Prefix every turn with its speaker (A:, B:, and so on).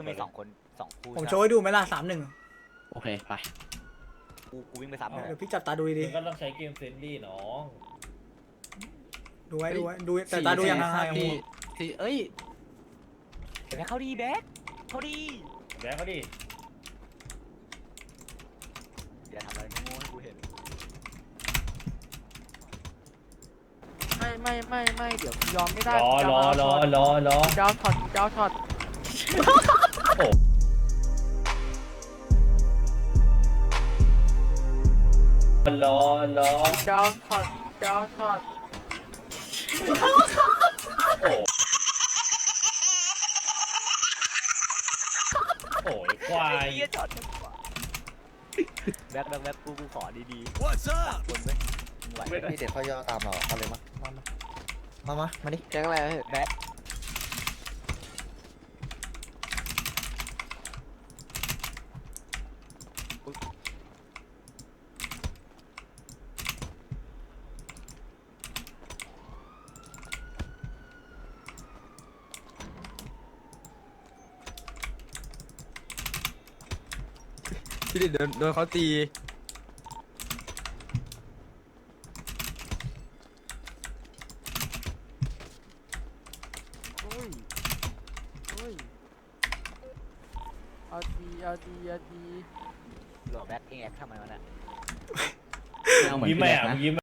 A: มี2 คน2 คู่
B: ผมโชว์ให้ดูไหมล่ะ3-1
C: โอเคไป
A: กูวิ่งไปซ้ำเลย
B: เดี๋ยวพี่จับตาดูดี
D: มันก็ต้องใช้เกมเฟรนลี่น้อง
B: ๆดูไว้ดูแต่ตาดูอย่างห่าง
C: สี่เอ้ย
A: แบ็คเข้าดีแบ็คเข้าดี
D: แบงค์เขาดิ
A: อย่าทำอะไรโง่ๆให้กูเห็น
E: ไม่เดี๋ยวยอมไม่ได้
D: รอ
E: ยอมช็อต
D: รอ
E: ยอมช็อต
D: โอ้ยควาย
A: เหี้ยจอดแบ็คกูขอดีๆ What's up คนไหมไหว
F: นี่เด็กเขาย่อตามเราเอาเลยมาดิ
E: แจ็คอะไร
A: แบ็ค
C: พี่ดิโดนเขาตี
E: อุ้ยเอาดี
A: หลอแบ็คเองแอคทำไมวะเนี่ย
C: เอาเหมือน
D: ยิ้มไหม
C: พี่แรก
D: อ่ะ
C: นะ
D: ยิ้ม